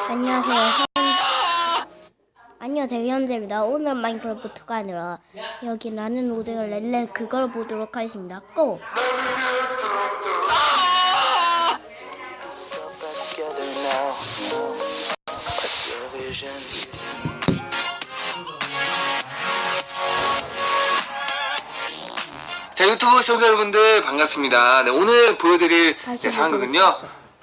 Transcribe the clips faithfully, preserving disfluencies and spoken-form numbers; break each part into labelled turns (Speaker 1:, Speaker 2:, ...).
Speaker 1: 안녕하세요. 현... 안녕하세요. 현재입니다. 오늘 마인크래프트가 아니라 여기 나는 오징어 렐레 그걸 보도록 하겠습니다. 고!
Speaker 2: 자, 유튜브 시청자 여러분들 반갑습니다. 네, 오늘 보여드릴 네, 상황극은요.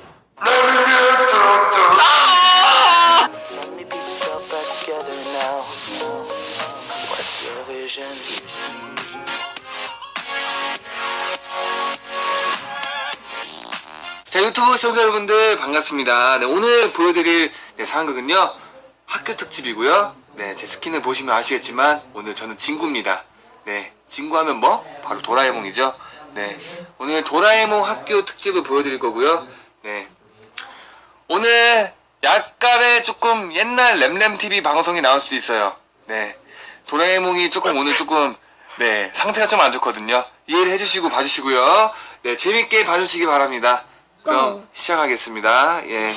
Speaker 2: 자, 유튜브 시청자 여러분들 반갑습니다. 네, 오늘 보여드릴 네, 상황극은요. 학교 특집이고요. 네, 제 스킨을 보시면 아시겠지만 오늘 저는 진구입니다. 네, 진구하면 뭐? 바로 도라에몽이죠. 네, 오늘 도라에몽 학교 특집을 보여드릴 거고요. 네, 오늘 약간의 조금 옛날 램램티비 방송이 나올 수도 있어요. 네, 도라에몽이 조금 오늘 조금 네 상태가 좀 안 좋거든요. 이해를 해주시고 봐주시고요. 네, 재밌게 봐주시기 바랍니다. 그럼 시작하겠습니다. 예.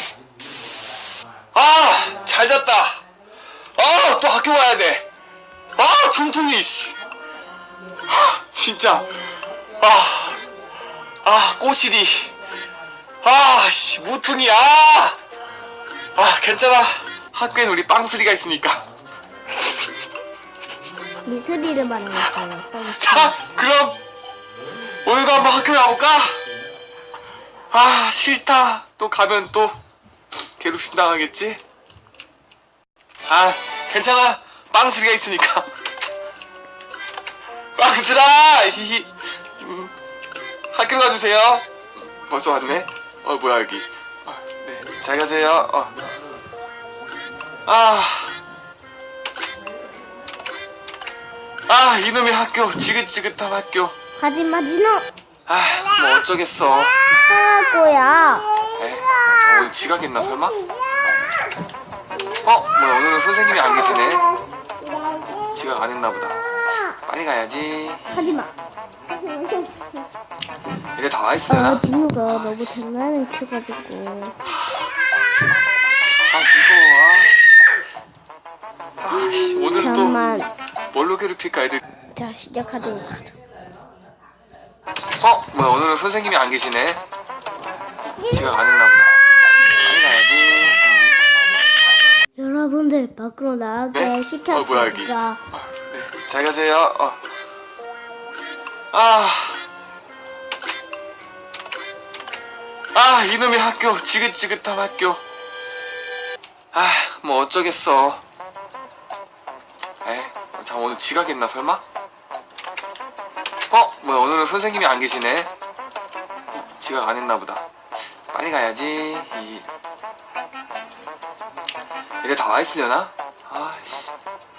Speaker 2: 아, 잘 잤다. 아, 또 학교 가야 돼. 아, 퉁퉁이 씨. 진짜. 아, 아, 꼬시리. 아, 씨, 무퉁이. 아, 아, 괜찮아. 학교엔 우리 빵스리가 있으니까.
Speaker 1: 미스리를 만났어요.
Speaker 2: 자, 그럼 오늘도 한번 학교 가볼까? 아, 싫다. 또 가면 또 괴롭힘 당하겠지? 아, 괜찮아. 빵스리가 있으니까. 빵스라! 히히. 음, 학교로 가주세요. 벌써 왔네? 어, 뭐야, 여기. 어, 네, 잘 가세요. 어. 아. 아, 이놈의 학교. 지긋지긋한 학교.
Speaker 1: 하지마 진호.
Speaker 2: 아, 뭐 어쩌겠어.
Speaker 1: 할 거야.
Speaker 2: 에? 저 오늘 지각했나 설마? 어? 뭐 오늘은 선생님이 안 계시네. 지각 안 했나 보다. 빨리 가야지.
Speaker 1: 하지마.
Speaker 2: 이게 다 와있으려나?
Speaker 1: 아 진호가 너무 장난을 쳐가지고.
Speaker 2: 아, 무서워. 아, 씨. 오늘은 또
Speaker 1: 잠만.
Speaker 2: 뭘로 괴롭힐까 애들.
Speaker 1: 자 시작하도록 하자.
Speaker 2: 어? 뭐야, 오늘은 선생님이 안 계시네. 지각 안 했나 보다. 빨리 가야지.
Speaker 1: 여러분들 밖으로 나가게
Speaker 2: 네?
Speaker 1: 시켰습니다.
Speaker 2: 어, 뭐야, 여기. 어, 네. 잘 가세요. 어. 아. 아, 이놈의 학교. 지긋지긋한 학교. 아, 뭐 어쩌겠어. 에? 자, 오늘 지각했나 설마? 어? 뭐야, 오늘은 선생님이 안 계시네. 지각 안 했나 보다. 빨리 가야지. 이... 이게 다 와있으려나? 아씨.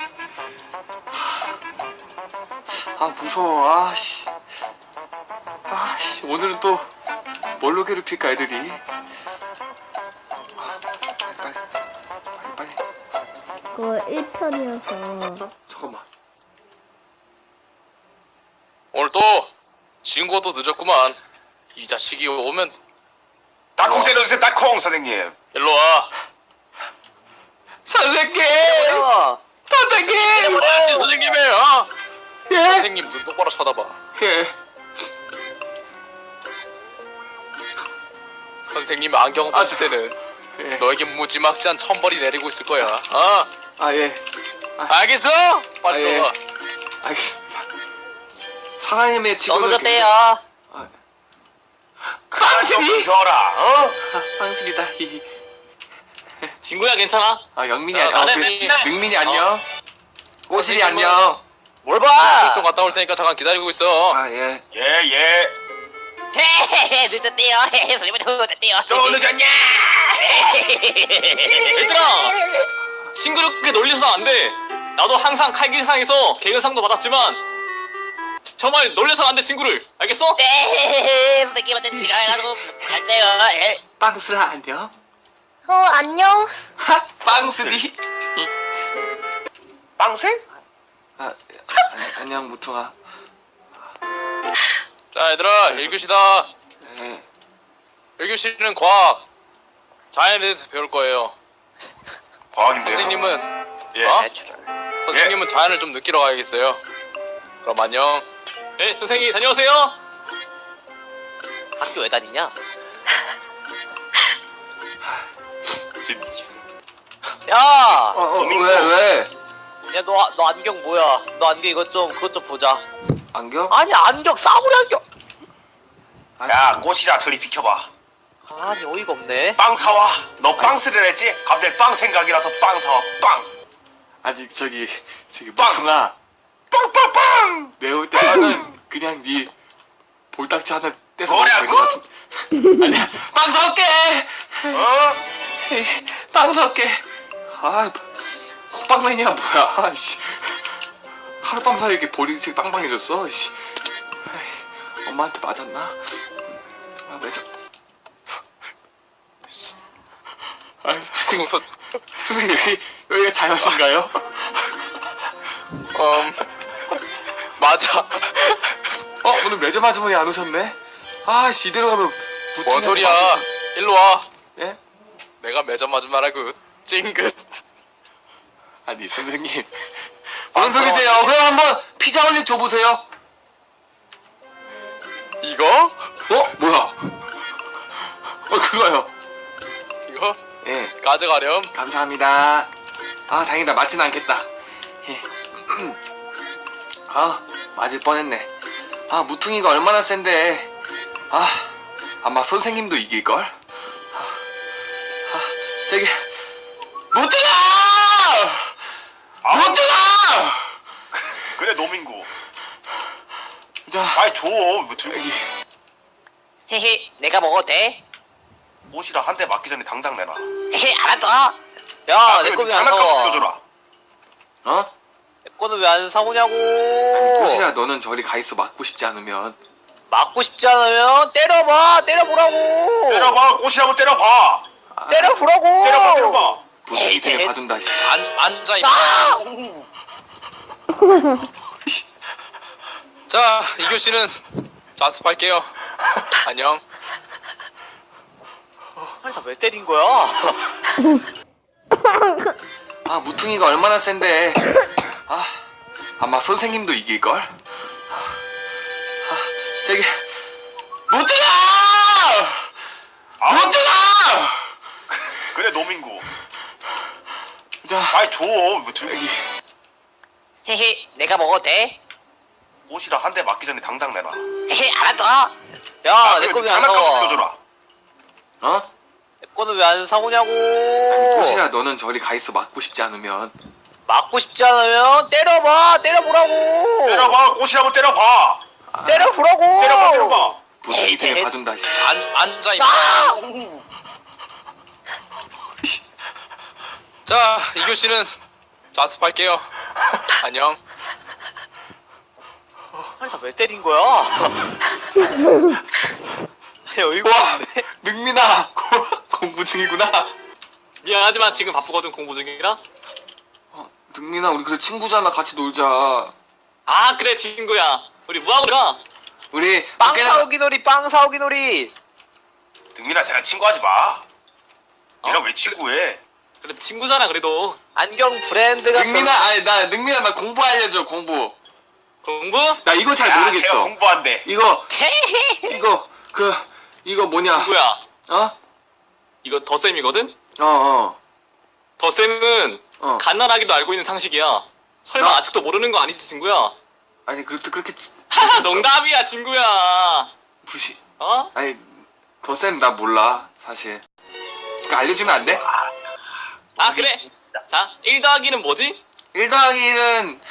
Speaker 2: 아, 무서워. 아씨. 아씨. 오늘은 또 뭘로 괴롭힐까 애들이. 아, 빨리 빨리 빨리
Speaker 1: 그거 일 편이어서.
Speaker 2: 빨리. 잠깐만.
Speaker 3: 오늘 또 친구가 또 늦었구만. 이 자식이 오면
Speaker 4: 땅콩 때려주세요. 땅콩 선생님.
Speaker 3: 일로 와.
Speaker 2: 선생님! 선생님!
Speaker 3: 뭐야지 선생님이에요. 어?
Speaker 2: 예?
Speaker 3: 선생님 눈 똑바로 쳐다봐.
Speaker 2: 예.
Speaker 3: 선생님 안경
Speaker 2: 아,
Speaker 3: 봤을 때는
Speaker 2: 예.
Speaker 3: 너에게 무지막지한 천벌이 내리고 있을 거야. 어?
Speaker 2: 아, 예.
Speaker 3: 알겠어? 빨리
Speaker 2: 아, 예.
Speaker 3: 들어가.
Speaker 2: 알겠습니다. 사람의
Speaker 5: 너
Speaker 2: 직원을
Speaker 5: 늦었대요.
Speaker 2: 빵슬이!
Speaker 4: 줘라. 어?
Speaker 2: 아, 빵슬이다. 히히.
Speaker 3: 친구야 괜찮아?
Speaker 2: 아, 영민이
Speaker 3: 야,
Speaker 2: 안녕. 어,
Speaker 3: 나는
Speaker 2: 그래.
Speaker 3: 맨날-
Speaker 2: 능민이 안녕. 꼬실이
Speaker 3: 선생님은-
Speaker 2: 안녕.
Speaker 4: 뭘 봐?
Speaker 3: 좀 갔다 올 테니까 잠깐 기다리고 있어.
Speaker 2: 아, 예.
Speaker 4: 예 예.
Speaker 5: 헤헤헤 늦었대요. 헤헤 선생님 늦었대요.
Speaker 4: 또 늦었냐?
Speaker 3: 얘들아! 싱그럽게 놀려서는 안 돼. 나도 항상 칼길상에서 개그상도 받았지만 정말 놀려서는 안 돼 친구를. 알겠어?
Speaker 5: 헤헤헤 선생님한테 지가 해가지고 갈대요. 에.
Speaker 2: 빵슬아 안녕.
Speaker 1: 어 안녕.
Speaker 2: 하, 빵슬이.
Speaker 4: 빵생?
Speaker 2: 아, 아, 안녕 무퉁아.
Speaker 3: 자 얘들아 일 교시다.
Speaker 2: 예.
Speaker 3: 일 교시는 과학 자연에 대해서 배울 거예요.
Speaker 4: 과학인데요.
Speaker 3: 선생님은
Speaker 4: 예.
Speaker 3: 어?
Speaker 5: 내추럴.
Speaker 3: 선생님은 자연을 좀 느끼러 가야겠어요. 그럼 안녕. 네, 선생님 다녀오세요.
Speaker 5: 학교 왜 다니냐?
Speaker 4: 지금
Speaker 5: 야!
Speaker 2: 어, 어, 왜, 왜?
Speaker 5: 야, 너, 너 안경 뭐야? 너 안경 이것 좀, 그것 좀 보자.
Speaker 2: 안경?
Speaker 5: 아니, 안경, 싸구려 안경!
Speaker 4: 야 꽃이라 저리 비켜봐.
Speaker 5: 아니, 어이가 없네.
Speaker 4: 빵 사와. 너 빵 쓰려 했지? 갑자기 빵 생각이라서 빵 사와. 빵.
Speaker 2: 아니, 저기, 저기,
Speaker 4: 빵!
Speaker 2: 무퉁아.
Speaker 4: 빵빵빵.
Speaker 2: 내올 때 빵은 그냥 네 볼딱지 하나 떼서
Speaker 4: 뭐라고?
Speaker 2: 먹으면 될것 같은. 아니야, 빵 사올게!
Speaker 4: 어?
Speaker 2: 빵 사올게. 아, 호빵맨이야, 뭐야. 아이씨. 하룻밤 사이에 이렇게 볼이 빵빵해졌어. 씨. 아이, 엄마한테 맞았나? 아, 매장. 아, 선생님, 선생님 여기, 여기가 자연인가요?
Speaker 3: 음 맞아.
Speaker 2: 어, 오늘 매점 아주머니 안 오셨네? 아, 씨, 이대로 가면
Speaker 3: 뭔
Speaker 2: 무팅하고
Speaker 3: 소리야?
Speaker 2: 마시고-
Speaker 3: 일로 와.
Speaker 2: 예?
Speaker 3: 내가 매점 아줌마라고. 찡긋.
Speaker 2: 아니, 선생님. 뭔 소리세요? 그럼 한번 피자 올릭 줘보세요.
Speaker 3: 이거?
Speaker 2: 어? 뭐야? 어, 그거요.
Speaker 3: 이거?
Speaker 2: 예,
Speaker 3: 가져가렴.
Speaker 2: 감사합니다. 아, 다행이다. 맞진 않겠다. 예. 아, 맞을 뻔했네. 아, 무퉁이가 얼마나 센데. 아, 아마 선생님도 이길걸? 아, 아, 저기, 무퉁아! 무퉁아!
Speaker 4: 그래 노민구.
Speaker 2: 자,
Speaker 4: 아이 줘. 뭐 들-
Speaker 2: 여기.
Speaker 5: 헤헤, 내가 먹어도 돼?
Speaker 4: 꽃이라 한 대 맞기 전에 당장 내놔.
Speaker 5: 헤헤, 알았어. 야,
Speaker 4: 아,
Speaker 5: 내
Speaker 4: 그리고
Speaker 5: 거는 왜 안
Speaker 4: 장난감
Speaker 5: 사와?
Speaker 4: 빌려줘라.
Speaker 2: 어?
Speaker 5: 내 거는 왜 안 사오냐고.
Speaker 2: 꽃이라 너는 저리 가 있어. 맞고 싶지 않으면.
Speaker 5: 맞고 싶지 않으면 때려봐, 때려보라고.
Speaker 4: 때려봐. 꽃이라고 때려봐.
Speaker 5: 때려보라고.
Speaker 4: 때려봐. 때려봐.
Speaker 2: 무퉁이 되게 봐준다, 씨.
Speaker 3: 안 앉아 임마.
Speaker 5: 아!
Speaker 3: 자, 이 교시는 자습할게요. 안녕.
Speaker 5: 아니, 나 왜 때린 거야?
Speaker 2: 아, 무퉁이가 얼마나 센데. 아, 아마 선생님도 이길걸? 아, 저기, 무퉁아!
Speaker 4: 아,
Speaker 2: 무퉁아!
Speaker 4: 그래 노민구.
Speaker 2: 자,
Speaker 4: 아이 줘. 뭐 들-
Speaker 2: 여기.
Speaker 5: 헤헤, 내가 먹어도 돼?
Speaker 4: 꽃이라 한 대 맞기 전에 당장 내놔.
Speaker 5: 헤헤, 알았어. 야,
Speaker 4: 아,
Speaker 5: 내
Speaker 4: 그리고
Speaker 5: 거는 왜 안
Speaker 4: 장난감
Speaker 5: 사와?
Speaker 4: 빌려줘라.
Speaker 2: 어?
Speaker 5: 내 거는 왜 안 사오냐고.
Speaker 2: 꽃이라 너는 저리 가 있어. 맞고 싶지 않으면.
Speaker 5: 맞고 싶지 않으면 때려봐, 때려보라고.
Speaker 4: 때려봐. 꽃이라고 때려봐.
Speaker 5: 때려보라고.
Speaker 4: 때려봐. 때려봐.
Speaker 2: 무퉁이 되게 봐준다, 씨.
Speaker 3: 안 앉아 임마.
Speaker 5: 아!
Speaker 3: 자, 이 교시는 자습할게요. 안녕.
Speaker 5: 아니, 나 왜 때린 거야? 어이가
Speaker 2: 와,
Speaker 5: 없네.
Speaker 2: 능민아. 공부 중이구나.
Speaker 3: 미안하지만 지금 바쁘거든 공부 중이라.
Speaker 2: 능민아, 우리 그래 친구잖아. 같이 놀자.
Speaker 3: 아 그래 친구야. 우리 뭐하고 가?
Speaker 2: 우리
Speaker 5: 빵
Speaker 2: 밖에
Speaker 5: 사오기 놀이, 빵 사오기 놀이.
Speaker 4: 등민아 쟤랑 친구하지 마. 얘랑
Speaker 3: 어?
Speaker 4: 왜 친구해?
Speaker 3: 그래 친구잖아 그래도.
Speaker 5: 안경 브랜드가
Speaker 2: 능민아, 아니 나 능민아 나 공부 알려줘. 공부.
Speaker 3: 공부?
Speaker 2: 나 이거 잘
Speaker 4: 야, 제가
Speaker 2: 모르겠어.
Speaker 4: 공부한대.
Speaker 2: 이거 이거 그 이거 뭐냐?
Speaker 3: 친구야.
Speaker 2: 어?
Speaker 3: 이거 덧셈이거든?
Speaker 2: 어 어.
Speaker 3: 덧셈은
Speaker 2: 어.
Speaker 3: 갓난아기도 알고 있는 상식이야. 설마
Speaker 2: 나-
Speaker 3: 아직도 모르는 거 아니지 친구야?
Speaker 2: 아니 그렇게 그렇게 치-
Speaker 3: 농담이야 친구야.
Speaker 2: 무시.
Speaker 3: 어?
Speaker 2: 아니 더쌤 나 몰라 사실. 그러니까 알려주면 안 돼?
Speaker 3: 아 그래. 자 일 더하기는 뭐지?
Speaker 2: 일 더하기 일은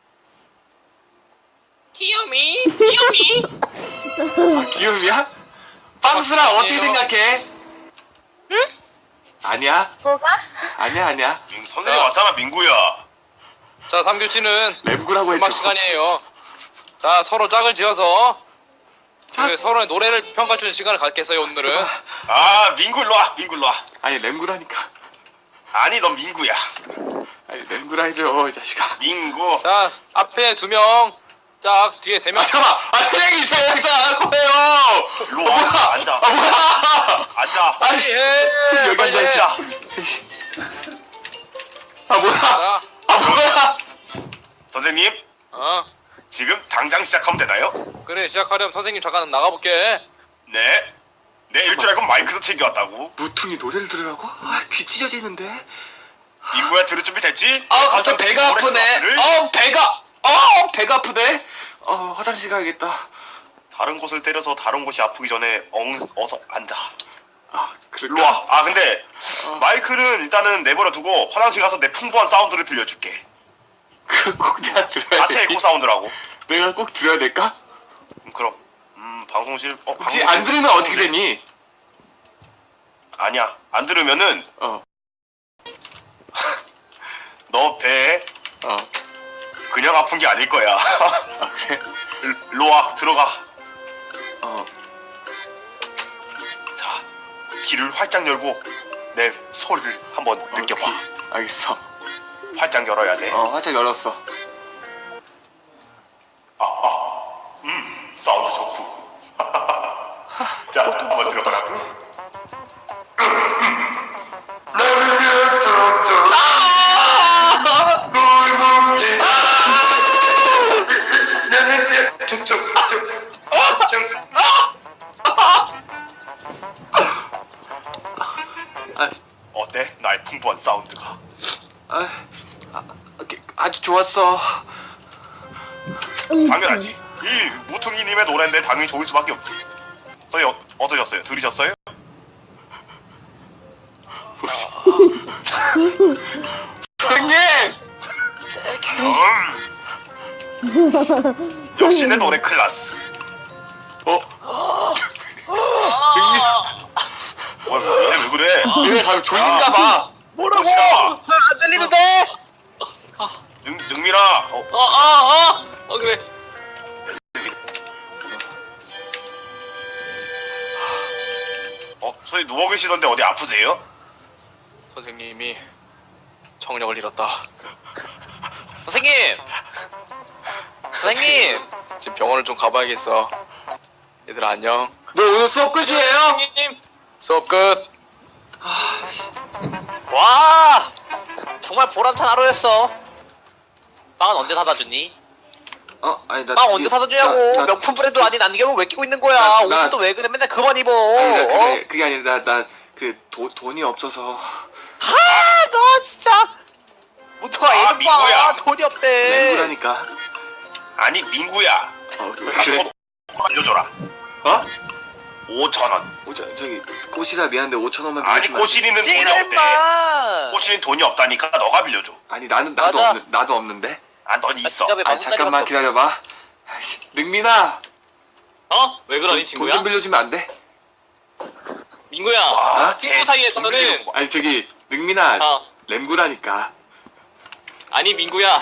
Speaker 3: 귀요미 귀요미.
Speaker 2: 아, 기음이야? 빵스라 어떻게
Speaker 3: 아니에요.
Speaker 2: 생각해? 응? 아니야?
Speaker 1: 뭐가?
Speaker 2: 아니야 아니야.
Speaker 4: 음, 선생님
Speaker 3: 자.
Speaker 4: 왔잖아 민구야.
Speaker 3: 자 삼 교시는
Speaker 2: 램구라고 했죠.
Speaker 3: 음악 시간이에요. 자 서로 짝을 지어서
Speaker 2: 짝?
Speaker 3: 그 서로의 노래를 평가해주는 시간을 갖겠어요 오늘은.
Speaker 4: 아 민구 일로 와. 민구 일로 와.
Speaker 2: 아니 램구라니까.
Speaker 4: 아니 넌 민구야.
Speaker 2: 아니 램구라 해줘 이 자식아.
Speaker 4: 민구.
Speaker 3: 자 앞에 두 명, 짝 뒤에 세 명.
Speaker 2: 아 잠깐만. 아 선생님 제 영장 안 할 거예요.
Speaker 4: 일로 와. 앉아.
Speaker 2: 아 뭐야?
Speaker 4: 앉아.
Speaker 2: 아니
Speaker 3: 해.
Speaker 2: 여기
Speaker 3: 빨리
Speaker 2: 앉아
Speaker 3: 해.
Speaker 2: 있어. 아 뭐야?
Speaker 3: 자,
Speaker 2: 아 뭐야?
Speaker 4: 선생님,
Speaker 3: 어
Speaker 4: 지금 당장 시작하면 되나요?
Speaker 3: 그래 시작하려면 선생님 잠깐 나가볼게.
Speaker 4: 네. 내 일줄 알고 마이크도 챙겨왔다고.
Speaker 2: 무퉁이 노래를 들으라고? 아 귀 찢어지는데.
Speaker 4: 민구야, 들을 준비 됐지?
Speaker 2: 아 갑자기 배가
Speaker 4: 노래
Speaker 2: 아프네.
Speaker 4: 클래스를
Speaker 2: 어 배가. 어 배가 아프네. 어 화장실 가야겠다.
Speaker 4: 다른 곳을 때려서 다른 곳이 아프기 전에 엉, 어서 앉아.
Speaker 2: 아
Speaker 4: 일로
Speaker 2: 그럴까?
Speaker 4: 와. 아 근데 마이크는 일단은 내버려 두고 화장실 가서 내 풍부한 사운드를 들려줄게.
Speaker 2: 그꼭 내가 들어야
Speaker 4: 자체
Speaker 2: 돼.
Speaker 4: 에코 사운드라고.
Speaker 2: 내가 꼭 들어야 될까?
Speaker 4: 음, 그럼. 음 방송실. 어,
Speaker 2: 혹시
Speaker 4: 방송실,
Speaker 2: 안 들으면 어떻게
Speaker 4: 방송실.
Speaker 2: 되니?
Speaker 4: 아니야. 안 들으면은
Speaker 2: 어
Speaker 4: 너 배에
Speaker 2: 어.
Speaker 4: 그냥 아픈 게 아닐 거야.
Speaker 2: 아 그래?
Speaker 4: 일- 일로 와. 들어가.
Speaker 2: 어.
Speaker 4: 자, 귀를 활짝 열고 내 소리를 한번 느껴봐.
Speaker 2: 오케이. 알겠어.
Speaker 4: 활짝 열어야 돼.
Speaker 2: 어 화장 열었어.
Speaker 4: 사운드 좋고. 자, 한번 들어보라고. 어때? 나의 풍부한 사운드가.
Speaker 2: 아, 아 오케이. 아주 좋았어.
Speaker 4: 당연하지. 이 무퉁이님의 노래인데 당연히 좋을 수밖에 없지. 저희 어, 어떠셨어요? 들으셨어요?
Speaker 2: 선생님.
Speaker 4: 음. 역시 내 노래 클라스.
Speaker 2: 어?
Speaker 4: 뭘 뭐래? 왜 그래?
Speaker 2: 얘네 가면 졸린가 봐.
Speaker 4: 뭐라고?
Speaker 5: 안 들리는데?
Speaker 4: 능, 능민아. 어,
Speaker 3: 어어어 어, 그래.
Speaker 4: 어, 저희 누워 계시던데 어디 아프세요?
Speaker 3: 선생님이 정력을 잃었다. 선생님! 선생님! 지금 병원을 좀 가봐야겠어. 얘들아 안녕.
Speaker 2: 너 오늘 수업 끝이에요?
Speaker 3: 선생님! 수업 끝! 와!
Speaker 5: 정말 보람찬 하루였어. 빵은 언제 사다 주니?
Speaker 2: 어 아니 나
Speaker 5: 빵 언제
Speaker 2: 이거-
Speaker 5: 사다 주냐고.
Speaker 2: 나- 나-
Speaker 5: 명품 브랜드 아닌 안경을 왜 끼고 있는 거야?
Speaker 2: 나- 나-
Speaker 5: 옷은 또 왜 그래? 맨날 그만 입어.
Speaker 2: 아니, 나
Speaker 5: 어?
Speaker 2: 그게 그게 아니라 나 그 돈이 없어서.
Speaker 5: 아, 너 진짜. 무토가
Speaker 4: 아,
Speaker 5: 이름
Speaker 4: 민구야.
Speaker 5: 봐. 돈이 없대.
Speaker 2: 맹구라니까.
Speaker 4: 아니 민구야.
Speaker 2: 어
Speaker 4: 나
Speaker 2: 그래?
Speaker 4: 돈 알려줘라.
Speaker 2: 어?
Speaker 4: 오천 원.
Speaker 2: 오, 저, 저기 꽃이라 미안한데 오천 원만
Speaker 4: 아니
Speaker 2: 빌려주면 안 돼?
Speaker 4: 꼬시리는 돈이
Speaker 5: 찌를
Speaker 4: 없대.
Speaker 5: 마.
Speaker 4: 꼬시리는 돈이 없다니까 너가 빌려줘.
Speaker 2: 아니 나는 나도
Speaker 5: 맞아.
Speaker 2: 없는 나도 없는데.
Speaker 4: 아, 넌 있어.
Speaker 5: 지갑에
Speaker 2: 아
Speaker 5: 만
Speaker 2: 잠깐만
Speaker 5: 원짜리밖에
Speaker 2: 기다려봐. 아이씨, 능민아.
Speaker 3: 어? 왜 그러니
Speaker 2: 돈
Speaker 3: 친구야?
Speaker 2: 좀 빌려주면 안 돼?
Speaker 3: 민구야
Speaker 4: 아,
Speaker 3: 친구
Speaker 4: 쟤
Speaker 3: 사이에서는
Speaker 4: 돈 빌려주고 봐.
Speaker 2: 아니 저기 능민아
Speaker 3: 어
Speaker 2: 램구라니까.
Speaker 3: 아니 민구야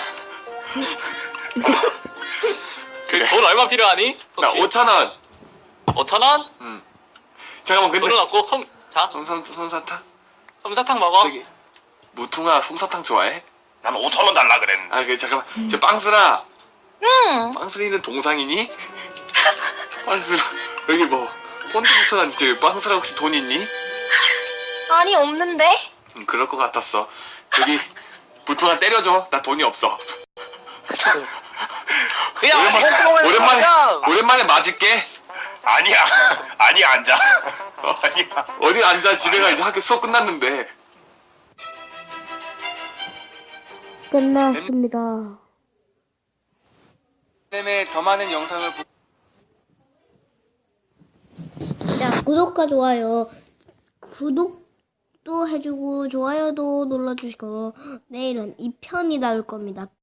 Speaker 2: 그래.
Speaker 3: 돈 얼마 필요하니?
Speaker 2: 나
Speaker 3: 혹시?
Speaker 2: 오천 원.
Speaker 3: 오천 원?
Speaker 2: 잠깐만 근데
Speaker 3: 돈을 얻고 솜, 자
Speaker 2: 솜솜 솜사탕?
Speaker 3: 솜사탕 먹어.
Speaker 2: 저기 무퉁아 솜사탕 좋아해?
Speaker 4: 난 오천 원 달라 그랬는데.
Speaker 2: 아, 그 잠깐만. 저 빵스라. 응. 빵스리는 동상이니? 빵스라. 여기 뭐 폰트 붙여놨는 저 빵스라 혹시 돈 있니?
Speaker 6: 아니 없는데?
Speaker 2: 음, 그럴 것 같았어. 저기 무퉁아 때려줘. 나 돈이 없어.
Speaker 5: 그냥
Speaker 2: 오랜만에
Speaker 5: 엉뚱하게
Speaker 2: 오랜만에
Speaker 5: 그냥.
Speaker 2: 오랜만에 맞을게.
Speaker 4: 아니야. 아니야 앉아.
Speaker 2: 어?
Speaker 4: 아니야.
Speaker 2: 어디 앉아? 집에 가 이제 학교 수업 끝났는데.
Speaker 1: 끝났습니다.
Speaker 2: 때문에 더 많은 영상을 보...
Speaker 1: 자, 구독과 좋아요. 구독도 해주고 좋아요도 눌러주시고 내일은 이 편이 나올 겁니다.